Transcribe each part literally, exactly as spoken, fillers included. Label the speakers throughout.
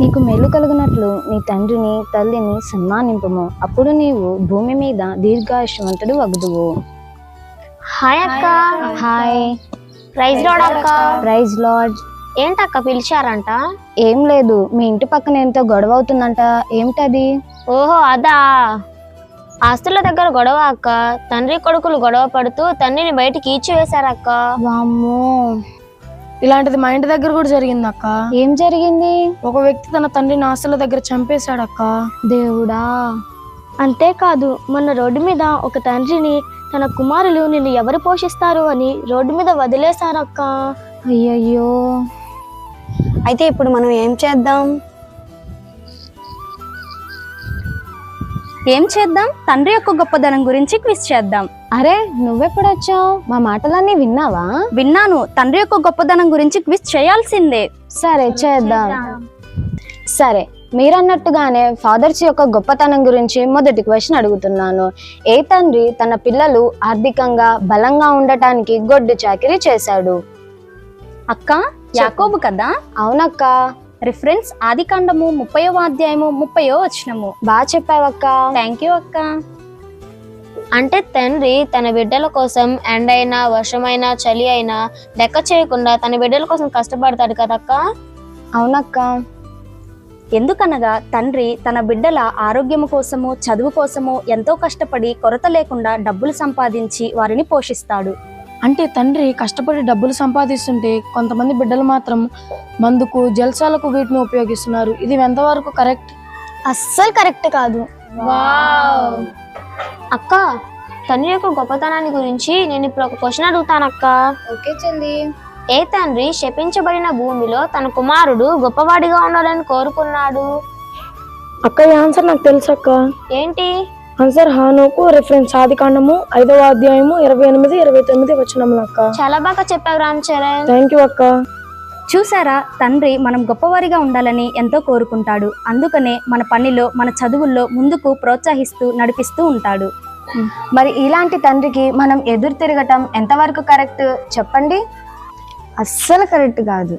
Speaker 1: నీకు మేలు కలుగునట్లు నీ తండ్రిని తల్లిని సన్మానింపుము, అప్పుడు నీవు భూమి మీద దీర్ఘాయుష్మంతుడు వగుదువు.
Speaker 2: హాయ్ అక్క.
Speaker 1: హాయ్.
Speaker 2: ప్రైజ్ లార్డ్ అక్క.
Speaker 1: Praise lord.
Speaker 2: ఏంటక్క పిలిచారంట?
Speaker 1: ఏం లేదు, మీ ఇంటి పక్కన ఎంతో గొడవ అవుతుందంట. ఏమిటది?
Speaker 2: ఓహో అదా, ఆస్తుల దగ్గర గొడవ అక్క. తండ్రి కొడుకులు గొడవ పడుతూ తండ్రిని బయటికి ఈడ్చివేశారక్క.
Speaker 1: వామ్మో,
Speaker 3: ఇలాంటిది మా ఇంటి దగ్గర కూడా జరిగింది అక్క.
Speaker 1: ఏం జరిగింది?
Speaker 3: ఒక వ్యక్తి తన తండ్రిని ఆస్తుల దగ్గర చంపేశాడక్క.
Speaker 1: దేవుడా.
Speaker 2: అంతేకాదు, మొన్న రోడ్డు మీద ఒక తండ్రిని తన కుమారులు నిన్ను ఎవరు పోషిస్తారు అని రోడ్డు మీద వదిలేశారక్క.
Speaker 1: అయ్యయ్యో.
Speaker 4: అయితే ఇప్పుడు మనం ఏం చేద్దాం?
Speaker 5: ఏం చేద్దాం? తండ్రి యొక్క గొప్పదనం గురించి క్విజ్ చేద్దాం.
Speaker 1: అరే, నువ్వెప్పుడు వచ్చావు? మా మాటలన్నీ విన్నావా?
Speaker 5: విన్నాను. తండ్రి యొక్క గొప్పదనం గురించి క్విజ్ చేయాల్సిందే.
Speaker 1: సరే చేద్దాం. సరే, మీరన్నట్టుగానే ఫాదర్స్ యొక్క గొప్పతనం గురించి మొదటి క్వశ్చన్ అడుగుతున్నాను. ఏ తండ్రి తన పిల్లలు ఆర్థికంగా బలంగా ఉండటానికి గొడ్డు చాకిరీ చేశాడు?
Speaker 5: అక్క, యాకోబు కదా?
Speaker 1: అవునక్క.
Speaker 5: రిఫరెన్స్ ఆదికాండము ముప్పయో అధ్యాయము ముప్పయో వచనము.
Speaker 1: బాగా చెప్పావక్క.
Speaker 5: థ్యాంక్ యూ అక్క.
Speaker 2: అంటే తండ్రి తన బిడ్డల కోసం ఎండైనా వర్షమైనా చలి అయినా లెక్క చేయకుండా తన బిడ్డల కోసం కష్టపడతాడు కదక్క.
Speaker 1: అవునక్క.
Speaker 5: ఎందుకనగా తండ్రి తన బిడ్డల ఆరోగ్యము కోసము, చదువు కోసము ఎంతో కష్టపడి కొరత లేకుండా డబ్బులు సంపాదించి వారిని పోషిస్తాడు.
Speaker 3: అంటే తండ్రి కష్టపడి డబ్బులు సంపాదిస్తుంటే కొంతమంది బిడ్డలు మాత్రం మందుకు, జల్సాలకు వీటిని ఉపయోగిస్తున్నారు. ఇది ఎంతవరకు కరెక్ట్?
Speaker 4: అస్సలు కరెక్ట్ కాదు.
Speaker 2: అక్క, తండ్రి యొక్క గొప్పతనాన్ని గురించి నేను ఇప్పుడు ఒక క్వశ్చన్ అడుగుతానక్క.
Speaker 1: ఓకే చెల్లి.
Speaker 2: ఏ తండ్రి శపించబడిన భూమిలో తన కుమారుడు గొప్పవాడిగా ఉండాలని కోరుకున్నాడు?
Speaker 3: అక్క, ఈ ఆన్సర్ నాకు తెలుసు అక్క.
Speaker 2: ఏంటి
Speaker 3: ఆన్సర్? హానోకు. రిఫరెన్స్ ఆదికాండము ఐదవ అధ్యాయము ఇరవై ఎనిమిది ఇరవై తొమ్మిది వచనములు అక్క.
Speaker 2: చాలా బాగా చెప్పావు రామ్ చరణ్.
Speaker 3: థ్యాంక్ యూ అక్క.
Speaker 5: చూసారా, తండ్రి మనం గొప్పవారిగా ఉండాలని ఎంతో కోరుకుంటాడు. అందుకనే మన పనిలో, మన చదువుల్లో ముందుకు ప్రోత్సహిస్తూ నడిపిస్తూ ఉంటాడు.
Speaker 1: మరి ఇలాంటి తండ్రికి మనం ఎదురు తిరగటం ఎంతవరకు కరెక్ట్ చెప్పండి? అస్సలు కరెక్ట్ కాదు.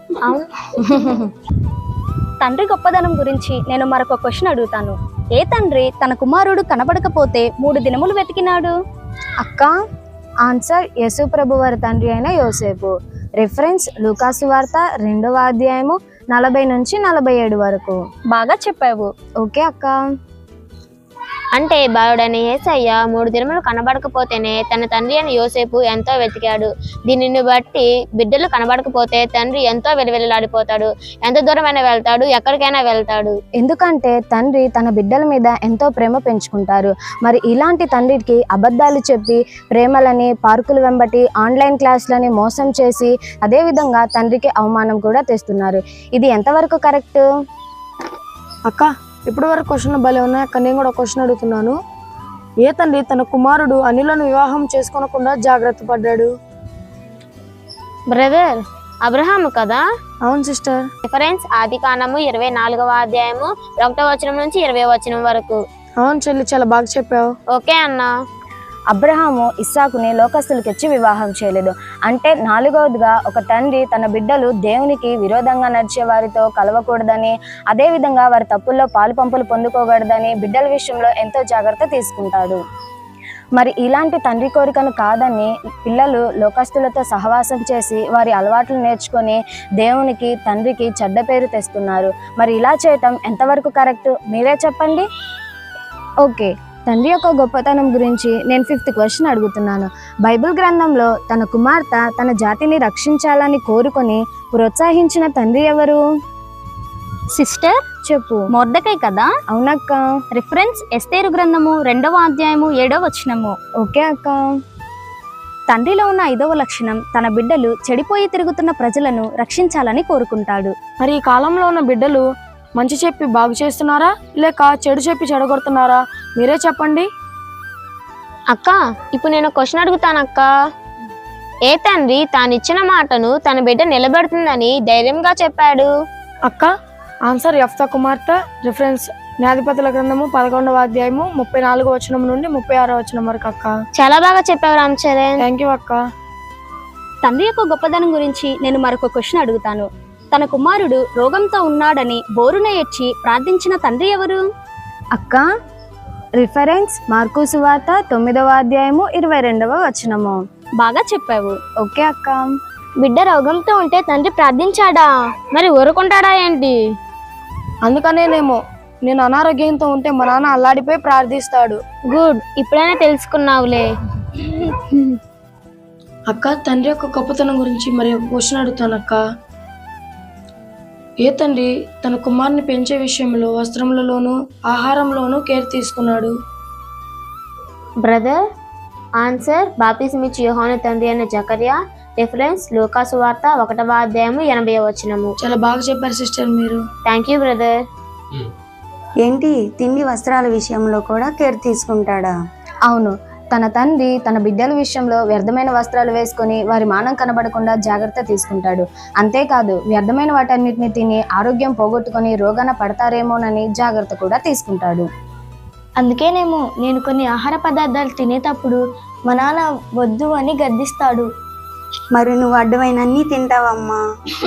Speaker 5: తండ్రి గొప్పదనం గురించి నేను మరొక క్వశ్చన్ అడుగుతాను. ఏ తండ్రి తన కుమారుడు కనబడకపోతే మూడు దినములు వెతికినాడు?
Speaker 1: అక్క, ఆన్సర్ యేసు ప్రభు వారి తండ్రి అయిన యోసేపు. రిఫరెన్స్ లూకాసు వార్త రెండవ అధ్యాయము నలభై నుంచి నలభై ఏడు వరకు.
Speaker 5: బాగా చెప్పావు.
Speaker 1: ఓకే అక్క.
Speaker 2: అంటే బాలుడైన యేసయ్య మూడు దినములు కనబడకపోతేనే తన తండ్రి అయిన యోసేపు ఎంతో వెతికాడు. దీనిని బట్టి బిడ్డలు కనబడకపోతే తండ్రి ఎంతో వెలువెల్లాడిపోతాడు. ఎంత దూరమైనా వెళ్తాడు, ఎక్కడికైనా వెళ్తాడు.
Speaker 1: ఎందుకంటే తండ్రి తన బిడ్డల మీద ఎంతో ప్రేమ పెంచుకుంటారు. మరి ఇలాంటి తండ్రికి అబద్ధాలు చెప్పి ప్రేమలని, పార్కులు వెంబటి, ఆన్లైన్ క్లాసులని మోసం చేసి అదేవిధంగా తండ్రికి అవమానం కూడా తెస్తున్నారు. ఇది ఎంతవరకు కరెక్ట్?
Speaker 3: అక్క, ఇప్పటి వరకు క్వశ్చన్ భలే ఉన్నాయి అక్క. నేను కూడా క్వశ్చన్ అడుగుతున్నాను. ఏ తండ్రి తన కుమారుడు అనిలను వివాహం చేసుకోనకుండా జాగ్రత్త పడ్డాడు?
Speaker 2: బ్రదర్, అబ్రహాము కదా?
Speaker 3: అవును సిస్టర్.
Speaker 2: రిఫరెన్స్ ఆదికాండము ఇరవై నాలుగవ అధ్యాయము ఒకటో వచనం నుంచి ఇరవై వచనం వరకు.
Speaker 3: అవును చెల్లి, చాలా బాగా చెప్పావు.
Speaker 2: ఓకే అన్నా.
Speaker 1: అబ్రహాము ఇస్సాకుని లోకస్తులకిచ్చి వివాహం చేయలేదు. అంటే నాలుగవదిగా ఒక తండ్రి తన బిడ్డలు దేవునికి విరోధంగా నడిచే వారితో కలవకూడదని, అదేవిధంగా వారి తప్పుల్లో పాలు పంపులు పొందుకోకూడదని బిడ్డల విషయంలో ఎంతో జాగ్రత్త తీసుకుంటాడు. మరి ఇలాంటి తండ్రి కోరికను కాదని పిల్లలు లోకస్తులతో సహవాసం చేసి వారి అలవాట్లు నేర్చుకొని దేవునికి, తండ్రికి చెడ్డ పేరు తెస్తున్నారు. మరి ఇలా చేయటం ఎంతవరకు కరెక్ట్? మీరే చెప్పండి. ఓకే, తండ్రి యొక్క గొప్పతనం గురించి నేను ఫిఫ్త్ క్వశ్చన్ అడుగుతున్నాను. బైబిల్ గ్రంథంలో తన కుమార్తె తన జాతిని రక్షించాలని కోరుకొని ప్రోత్సహించిన తండ్రి ఎవరు?
Speaker 5: సిస్టర్
Speaker 1: చెప్పు.
Speaker 5: మొర్దెకై కదా?
Speaker 1: అవునక్క.
Speaker 5: రిఫరెన్స్ ఎస్తేరు గ్రంథము రెండవ అధ్యాయము ఏడవ వచనము.
Speaker 1: ఓకే అక్క.
Speaker 5: తండ్రిలో ఉన్న ఐదవ లక్షణం తన బిడ్డలు చెడిపోయి తిరుగుతున్న ప్రజలను రక్షించాలని కోరుకుంటాడు.
Speaker 3: మరి ఈ కాలంలో ఉన్న బిడ్డలు మంచి చెప్పి బాగు చేస్తున్నారా, లేక చెడు చెప్పి చెడగొడుతున్నారా? మీరే చెప్పండి.
Speaker 2: అక్క, ఇప్పుడు నేను క్వశ్చన్ అడుగుతానక్క. ఏ తండ్రి తానిచ్చిన మాటను తన బిడ్డ నిలబెడుతుందని ధైర్యంగా చెప్పాడు?
Speaker 3: అక్క, ఆన్సర్ యెఫ్తా కుమార్తె. రిఫరెన్స్ న్యాయాధిపతుల గ్రంథము పదకొండవ అధ్యాయము ముప్పై నాలుగో వచనం నుండి ముప్పై ఆరో వచనం వరకు అక్క.
Speaker 2: చాలా బాగా చెప్పావు రామ్ చరణ్.
Speaker 3: థ్యాంక్ యూ అక్క.
Speaker 5: తండ్రి యొక్క గొప్పదనం గురించి నేను మరొక క్వశ్చన్ అడుగుతాను. తన కుమారుడు రోగంతో ఉన్నాడని బోరున ఏడ్చి ప్రార్థించిన తండ్రి ఎవరు?
Speaker 1: అక్క, రిఫరెన్స్ మార్కు సువార్త తొమ్మిదవ అధ్యాయము ఇరవై రెండవ వచనము.
Speaker 5: బాగా చెప్పావు.
Speaker 1: ఓకే అక్క.
Speaker 2: బిడ్డ రోగంతో ఉంటే తండ్రి ప్రార్థించాడా? మరి ఊరుకుంటాడా ఏంటి?
Speaker 3: అందుకనేనేమో నేను అనారోగ్యంతో ఉంటే మా నాన్న అల్లాడిపోయి ప్రార్థిస్తాడు.
Speaker 2: గుడ్, ఇప్పుడైనా తెలుసుకున్నావులే.
Speaker 3: అక్క, తండ్రి యొక్క గొప్పతనం గురించి మరి ఒక క్వశ్చన్ అడుగుతాను అక్క. ఏ తండ్రి తన కుమారుని పెంచే విషయంలో వస్త్రములలోనూ ఆహారంలోనూ కేర్ తీసుకున్నాడు?
Speaker 2: బ్రదర్, ఆన్సర్ బాప్తిస్మిచ్చి యోహాను తండ్రి అయిన జకర్యా. రిఫరెన్స్ లూకాసు వార్త ఒకటవ అధ్యాయము ఎనభై వచనము.
Speaker 3: చాలా బాగా చెప్పారు సిస్టర్ మీరు.
Speaker 2: Thank you brother.
Speaker 4: ఏంటి, తిండి వస్త్రాల విషయంలో కూడా కేర్ తీసుకుంటాడా?
Speaker 1: అవును, తన తండ్రి తన బిడ్డల విషయంలో వ్యర్థమైన వస్త్రాలు వేసుకొని వారి మానం కనబడకుండా జాగ్రత్త తీసుకుంటాడు. అంతేకాదు, వ్యర్థమైన వాటన్నిటిని తిని ఆరోగ్యం పోగొట్టుకొని రోగాన పడతారేమోనని జాగ్రత్త కూడా తీసుకుంటాడు.
Speaker 3: అందుకేనేమో నేను కొన్ని ఆహార పదార్థాలు తినేటప్పుడు మా నాన్న వద్దు అని గద్దిస్తాడు.
Speaker 4: మరి నువ్వు అడ్డమైన అన్నీ తింటావమ్మా.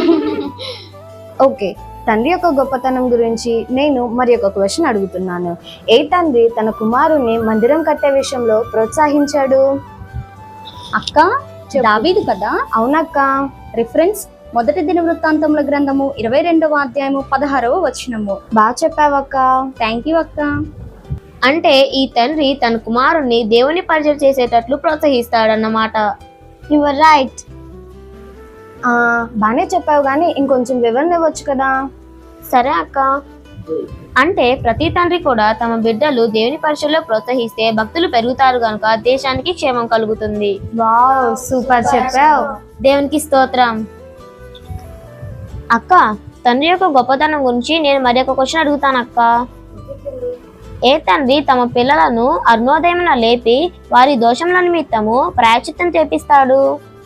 Speaker 1: ఓకే, తండ్రి యొక్క గొప్పతనం గురించి నేను మరి ఒక క్వశ్చన్ అడుగుతున్నాను. ఏ తండ్రి తన కుమారుని మందిరం కట్టే విషయంలో ప్రోత్సహించాడు?
Speaker 5: అక్క, దావీదు కదా?
Speaker 1: అవునక్క.
Speaker 5: రిఫరెన్స్ మొదటి దిన వృత్తాంతముల గ్రంథము ఇరవై రెండవ అధ్యాయము పదహారవ వచనము.
Speaker 1: బాగా చెప్పావక్క.
Speaker 5: థ్యాంక్ యూ అక్క.
Speaker 2: అంటే ఈ తండ్రి తన కుమారుణ్ణి దేవుని పరిచయం చేసేటట్లు ప్రోత్సహిస్తాడన్నమాట.
Speaker 1: You are right. బానే చెప్పావు, కానీ ఇంకొంచెం వివరణ ఇవ్వచ్చు కదా?
Speaker 2: సరే అక్క. అంటే ప్రతి తండ్రి కూడా తమ బిడ్డలు దేవుని పరిచయంలో ప్రోత్సహిస్తే భక్తులు పెరుగుతారు కనుక దేశానికి క్షేమం కలుగుతుంది.
Speaker 1: వావ్, సూపర్ చెప్పావు.
Speaker 2: దేవునికి స్తోత్రం. అక్క, తండ్రి యొక్క గొప్పతనం గురించి నేను మరి ఒక క్వశ్చన్ అడుగుతాను అక్క. ఏ తండ్రి తమ పిల్లలను అరుణోదయమున లేపి వారి దోషముల నిమిత్తము ప్రాయశ్చిత్తం చేపిస్తాడు?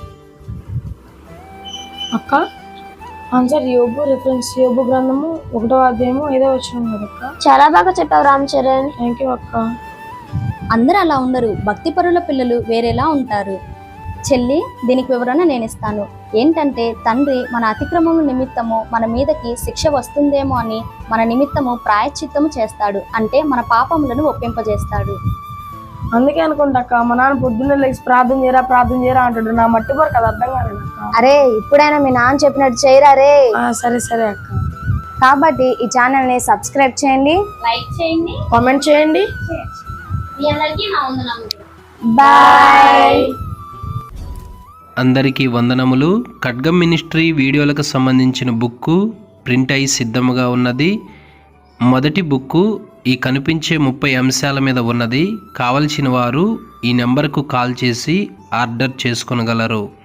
Speaker 3: అక్క, ఆన్సర్ యోబు. రిఫరెన్స్ యోబు గ్రంథము ఒకటో అధ్యాయము ఐదో వచనం కదా అక్క.
Speaker 2: చాలా బాగా చెప్పావు రామ్ చరణ్.
Speaker 3: థ్యాంక్ యూ అక్క.
Speaker 5: అందరూ అలా ఉండరు, భక్తిపరుల పిల్లలు వేరేలా ఉంటారు. చెల్లి, దీనికి వివరణ నేను ఇస్తాను. ఏంటంటే తండ్రి మన అతిక్రమము నిమిత్తము మన మీదకి శిక్ష వస్తుందేమో అని మన నిమిత్తము ప్రాయశ్చిత్తము చేస్తాడు. అంటే మన పాపములను ఒప్పింపజేస్తాడు.
Speaker 3: అందుకే అనుకుంటా అక్క, మా నాన్న పొద్దున్నే లేచి ప్రార్థన చేయరా ప్రార్థన చేయరా అంటాడు. నా మట్టి వరకు అది అర్థం కాలేదు అక్క.
Speaker 1: అరే, ఇప్పుడైనా మీ నాన్న చెప్పినట్టు చేయరా రే.
Speaker 3: ఆ, సరే సరే అక్క.
Speaker 1: కాబట్టి ఈ ఛానల్ ని సబ్స్క్రైబ్ చేయండి,
Speaker 2: లైక్ చేయండి,
Speaker 3: కామెంట్ చేయండి.
Speaker 2: మీ అందరికీ నా వందనములు.
Speaker 1: బాయ్.
Speaker 6: అందరికీ వందనములు. ఖడ్గం మినిస్ట్రీ వీడియోలకు సంబంధించిన బుక్కు ప్రింట్ అయి సిద్ధముగా ఉన్నది. మొదటి బుక్కు ఈ కనిపించే ముప్పై అంశాల మీద ఉన్నది. కావలసిన వారు ఈ నెంబర్కు కాల్ చేసి ఆర్డర్ చేసుకొనగలరు.